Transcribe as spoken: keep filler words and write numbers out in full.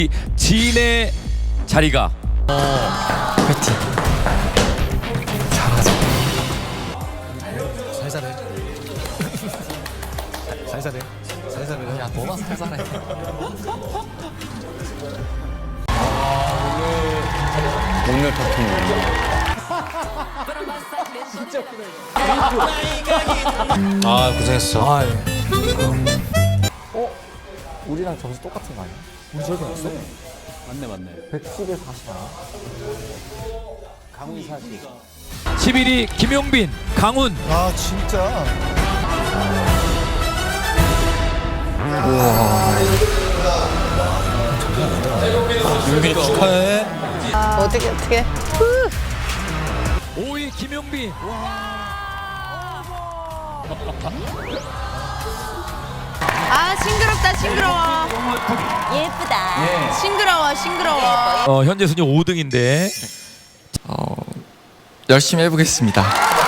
진의 자리가 그렇지. 잘하자. 살살해. 살살해. 살살해. 야 너나 살살해. 목렬 터트리. 아 고생했어. 아, 예. 우리랑 점수 똑같은 거 아니야? 우리 제일 잘했어? 맞네 맞네. 백십에 사십 아니야? 강훈이 사실. 십일 위 김용빈, 강훈. 아 진짜. 용빈이 축하해. 어떻게 어떻게? 오 위 김용빈. 아 싱그럽다 싱그러워. 예쁘다. 싱그러워 싱그러워. 어, 현재 순위 오 등인데 어, 열심히 해보겠습니다.